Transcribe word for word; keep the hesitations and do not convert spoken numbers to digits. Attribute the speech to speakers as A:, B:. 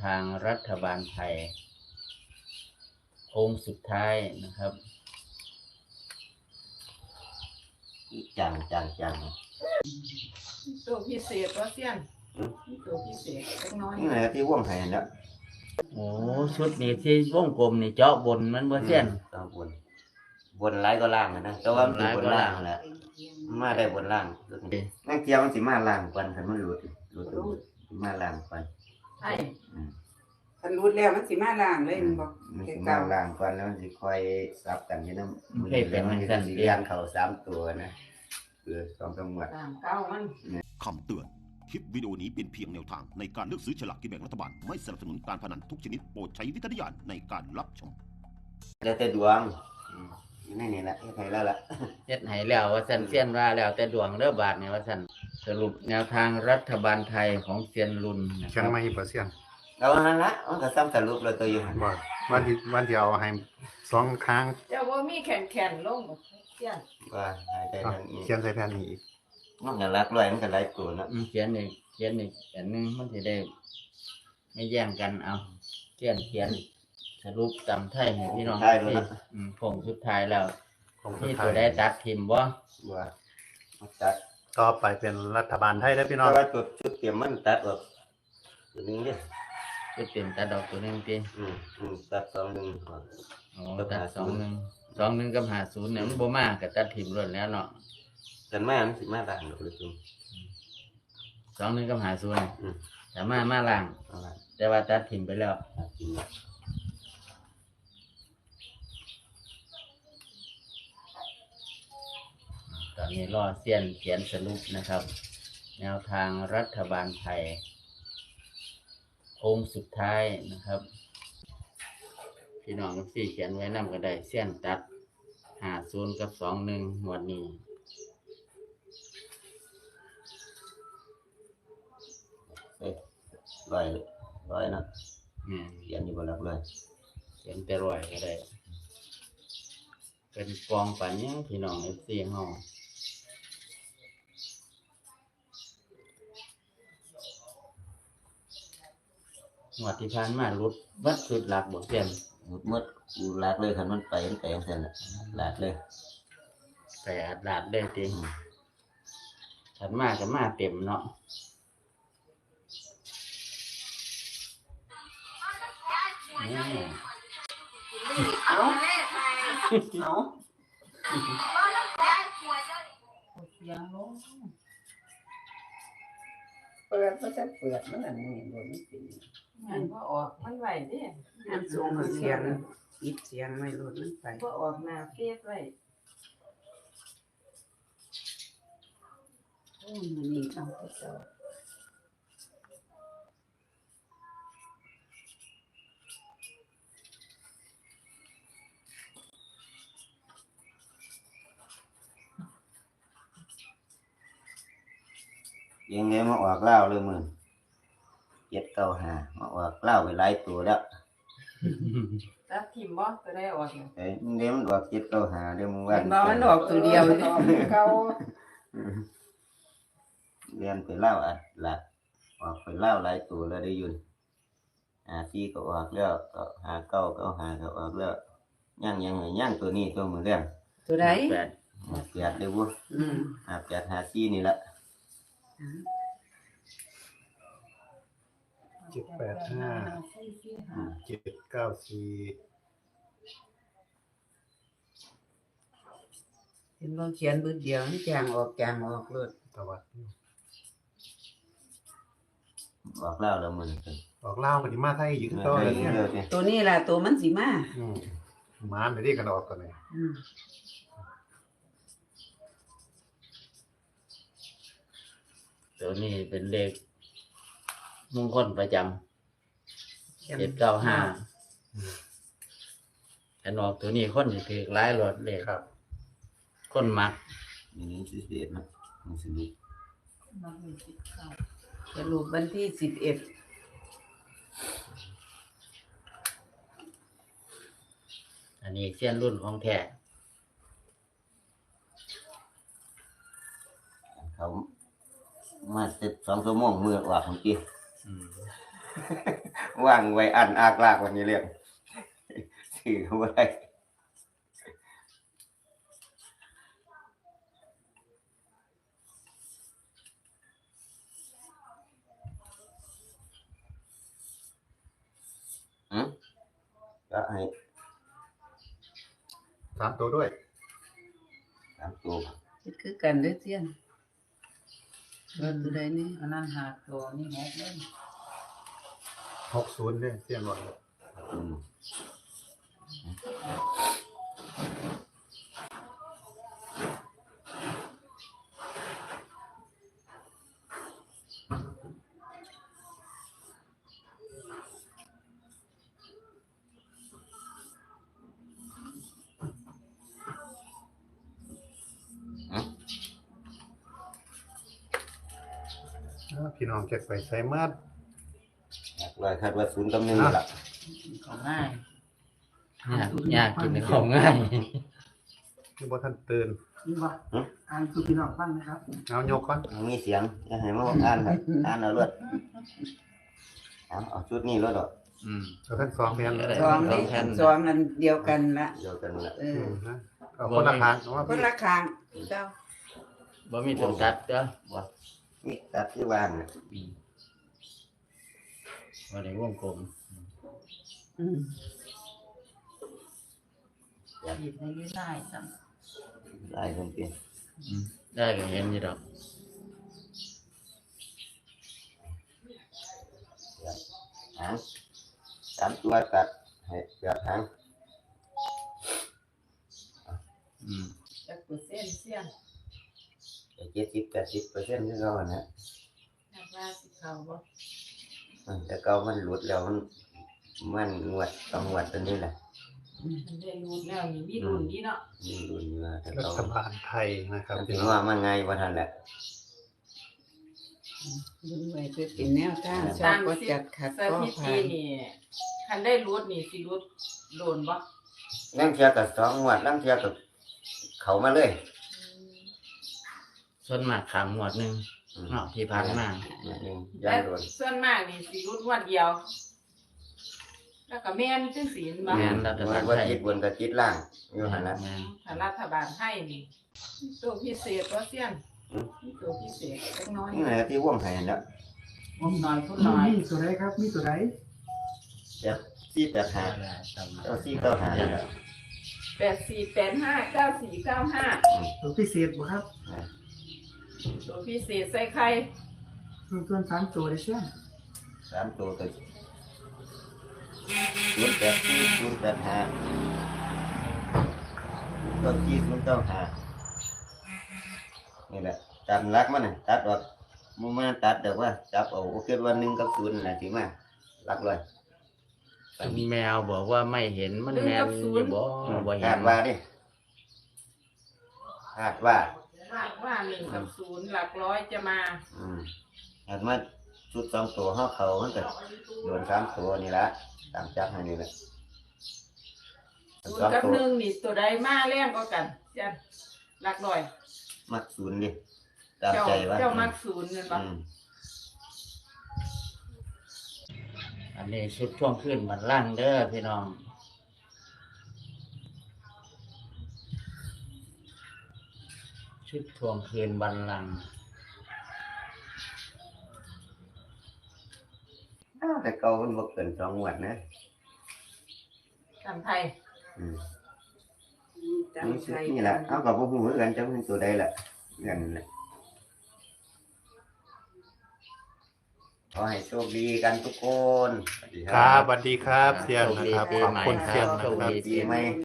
A: ทางรัฐบาลไทยโค้งสุดท้ายนะครับ
B: จังจังจัง
C: ตัวพิเศษว่าเสี้ยนตัวพิเศษเล็กน้อย
B: นี่แหละที่ว่องไห้เนี่ย
A: โอ้ชุดนี้ที่วงกลมนี่เจาะบนมันบ่เสี้ยน
B: เจาะบนบนหลายก็ล่างนะแต่ว่ามันบนล่างแหละมาได้บนล่างนั่งเกี่ยวมันสิมาล่างกวนคันมันหลุดหลุดมาล่างกวน
C: ใช่
D: คันรูดแล้วมันสิมาล่างเลยมันบอก
B: มันสิมาล่างกวนแล้วมันสิคอยซับกันอยู่นำมันเป็นมันสิเลี้ยงเข้าสามตัวนะคือสองจังหวัด
C: เก้ามัน
E: คำเตือนคลิปวิดีโอนี้เป็นเพียงแนวทางในการเลือกซื้อฉลากกินแบ่งรัฐบาลไม่สนับสนุนการพนันทุกชนิดโปรดใช้วิจารณญาณในการรับชม
B: แล้วแต่ดวงนี่นี่แหละใครแล้วล่ะ
A: เฮ็ดให้แล้วว่าซั่นเสี้ยนว่าแล้วแต่ดวงเด้อบาดนี่ว่าซั่นสรุปแนวทางรัฐบาลไทยของเซียนรุ่นนะค
F: เชียง
A: รับ
F: ใหม่บ่เซียน
B: เอาหั่นละมันก็ซ้ำสรุปแล้วตัวอยู่หั่น
F: บ่วันที่วันที่เอาให้สองครั้ง
C: เจ้าว่ามีแข็งแข็งลงเสี้ยน
B: ว่าหายใจทางนี้
F: เขียนใส่แผ่นนี้อีก
B: มันก็รักร้อยมันก็หลายตัวเนาะ
A: เขียนอีกเขียนอีกอันนึงมันสิได้ไม่แย่งกันเอาเขียนเขียนสรุปจำไทยให้พี่น้องที่อืมผงสุดท้ายแล้วที่ตัวได้ตัดทิมบ่
B: ว่าตัด
F: ต่อไปเป็นรัฐบาลไทยแล้วพี่น้อง
B: แต่ว่าตัวชุดเตรียมมันตัดออกตัวนึงเด้
A: ชุดเตรียมตัดออกตัวนึงติ
B: อืมอืมตัดสองนึง
A: อ๋อตัดสองนึงสองนึงกับห้าสิบเนี่ยมันบ่มาก็ตัดทิมล้วนแล้วเนาะ
B: กันมามันสิมาล่างดอกเลยจุ่ม
A: สองนึงกับห้าสิบอืมแต่มามาล่างแต่ว่าตัดทิมไปแล้วตอนนี้รอเซียนเขียนสรุปนะครับแนวทางรัฐบาลไทยโค้งสุดท้ายนะครับพี่น้องกับสี่เขียนไว้นำก็ได้เซียนตัดห้าศูนย์กับสองหนึ่งหมวดนี้
B: ร้อยร้อยนะเขียนอยู่บนหลักเลย
A: เขียนแต่ร้อยก็ได้เป็นกองปันยังพี่น้องเอฟซีเฮาหมวดที่ผ่านมาลุดวัดสุดหลักบ่เซียน
B: หมดหมดกูหลักเลยคันมันไปมันไปจังซั่นน่ะหลักเลย
A: ไปอัดหลักได้ติถัดมาก็มาเต็มเนาะ
C: เอาเอายังลง
D: เปิดก็จะเปิดมันอันนี้บ่มีสิ
C: มันบ่ออกมันไหวดิ
D: อันสูงเสียงปิดเสียงไม่ลดมันไป
C: บ่ออกหน้าเฟียดไว้
D: โอ้ยมันนี่เอาไปเจ้า
B: ยังไงมาออกเล่าเลยมึงเจ็ดเก้าห้ามาออกเล่าไปหลายตัวแล้ว
C: ตัดทิมบ่ก็ได้ออก
B: เอ้ยเดี๋ยวมันออกเจ็ดเก้าห้าเดี๋ยวมึงว่า
D: บ่มันออกตัวเดียวเก่า
B: เรียนไปเล่าอ่ะหลักออกไปเล่าหลายตัวแล้วได้ยืนหาที่ก็ออกแล้วก็หาเก้าก็หาก็ออกแล้วย่างยังไงย่างตัวนี้ตัวมือเรื่อง
D: ตัวไหน
B: แปดแปดเลยวุ้อืมหาแปดหาที่นี่แหละ
F: เจ็ดแปดห้าเจ็ดเก้าสี่
D: เห็นบ่เขียนบึ้ดเดียวนี่จางออกจางออกเลย
F: ตะวัด
B: ออกเล่าแล้วมัน
F: ออกเล่าปฏิมาไทยอยู่ที่ตัว
D: เนี่ยตัวนี้ล่ะตัวมันสิมา
F: อืมมาไม่ได้กันออกตัวนี้
A: ตัวนี้เป็นเลขมงคลประจำเจ็ดเก้าห้าอันออกตัวนี้คนสิถือหลายรถเลย
F: ครับ
A: คนมัก
B: นี่สิบเอ็ดนะมันสิบ
D: สรุปวันที่สิบเอ็ด
A: อันนี้เส้นรุ่นของแท้
B: เขามาสิบสองชั่วโมงมือออกของกี้ว่างไว้อันอากลากวันนี้เรียกถือไว้อืมก็ให้
F: สามตัวด้วย
B: สามตัว
D: คือกันเด้อเสี้ยนว่าตัวใดนี่
C: อันนั้นหาตัวนี่หกเลย
F: หกศูนย์เนี่ยเสียงหมด
B: อืมอืม
F: อ้าวพี่น้องเก็บไปใส่มัด
B: หลักร้อยคาดว่าศูนย์กับหนึ่งนี่ล่ะ
C: ของง่าย
A: ยากยากกินของง่าย
F: คือบ่ทันตื่น
C: นี่ว่าอ่านคือพี่น้องฟังนะครับ
F: เอายกก่อน
B: มีเสียงอย่าให้มาอ่านครับอ่านเอาเลือดเอาเอาชุดนี้รถดอก
A: อืม
F: เอาทั้งสองแผ่น
A: ก็ได้
D: สองนี่
A: แผ่น
D: สองอันเดียวกันละ
B: เดียวกันละ
D: เอ
F: อื
D: อ
F: มนะเอาคนละคางเอาว่า
D: คน
F: พี่
D: ละข้างเจ้า
A: บ่มีตัวตัดเด้อ
B: บ่นี่ตัดที่บ้านน่ะ
A: อืมบ่ได้วงกลม
D: อืม
C: หยิบในยืดได้ซ้
B: ได้เพิ่นเปลี่ยน
A: อืมได้ก็เห็นอยู่ดอก
B: หางสามตัวตัดให้เกือบหาง
A: อืม
C: ำจักเปอร์เซ็นต์เสี้ยน
B: เจ็ดสิบแปดสิบเปอร์เซ็นต์ที่เขาอะนะ
C: นักว่าสิเขาบ่
B: มันแต่เก่ามันหลุดแล้วมันมันงวดต้องงวดตัวนี้แหละ
C: มันได้รู้แล้วนี่มีรุ่นนี้เนาะ
B: มีรุ่นอยู่ว่าแต่
F: รั
B: เก่า
F: ฐบาลไทยนะครับ
B: มัน
F: พี่
B: ถึง
F: น้อง
B: ว่ามันไงว่าทันแหละ
D: ดูไว้เพื่อเป็นแนวทางชอ
C: ตา
D: บ
C: ม
D: ก็
C: สิ
D: จัดขัด
C: ส
D: ก็
C: ถิ
D: ผ่า
C: ติ
D: น
C: นี่คันได้รู้นี่สิรู้โดนบ่
B: นั่งเทียกับสองงวดนั่งเทียกับเขามาเลย
A: ส่วนมากขามหมวดหนึง
B: อืม
A: เนาะที่ผ่านมา
B: อย่างหนึ่งย่า
C: และ
B: งโดน
C: ส่วนมากนี่สิรู้งวดเดียว แล้วก็แม่นจังสีนบ่
A: แม่นรัฐ
B: งว
A: บา
B: ด
A: ล
B: ว่า
A: ไทย
B: จิตบนกับจิตล่างอยู่หันละ
A: แม่น
C: ถ้ารัฐบาลให้นี่ตัวพิเศษว่าเสี้ยนมีตัวพิเศษเล็กน้อย
B: นี่แหละที่ว่องไห้แล้ว
C: ผมน้อยพุ่นน้อย
G: มีตัวใดครับ มีตัวใด
B: จะซี่แปดหาเจ้าซี่เก้าหานี่แหละ
C: แปดสี่แปดห้าเก้าสี่เก้าห้า
G: ตัวพิเศษบ่ครับ
C: ตัวพิเศษใส่ไข่
G: ส่วนส่วนสามตัวได้เช่น
B: สามตัวตัวศูนย์แปดสี่ศูนย์แปดห้าตัวซี่ศูนย์เก้าหานี่แหละตัดรักมันน่ะตัดออกมันมาตัดเดี๋ยวว่าจับเอาโอเควันหนึ่งกับศูนย์น่ะสิมารักเลย
A: แมวบอกว่าไม่เห็นมันแมนอยู่บ่บ่เห็
B: คาน ดว่าดิคาดว่า
C: ว่าว่าหนึ่งกับศูนย์หลักร้อยจะมา
B: อืมคาดว่าชุดสองตัวห้าเขามันก็โดนสามตัวนี่ละตามจับให้นี่แหละ
C: ศูน
B: สอง
C: ย์กับ
B: ตัว
C: หนึ่งนี่ตัวใดมาแรงกว่ากันเจ้าหลักร้อย
B: มักศูนย์ดิตาม
C: เจ้า
B: ใจว่า
C: เจ้ามักศูนย์เงินปะ
B: อืม
A: อันนี้ชุดช่วงขึ้นบันล่างเด้อพี่น้อง ชุดทวงคืนบันลังก์
B: อ้าวแต่เก่ามันบ่เกินสองงวดนะ
C: ตามไทย
B: อืม
D: ตาม
B: นี่
D: ใจ
B: นี่แหละเอากับบ่ฮู้เหมือนกันจังเป็นตัวใดล่ะเงินแหละขอให้โชคดีกันทุกคนสวัสดี
F: ครับสวัสดีครับเสียงนะครับ
A: ปี
F: ขอบ
A: ใหม่
F: คุณ
A: ค
F: เสีย
A: รั
F: ง
A: บ
F: นะ
A: โชค
F: ครับ
A: ดี
B: ปี
A: ปี
B: ให
A: ให
B: ม่
A: ม่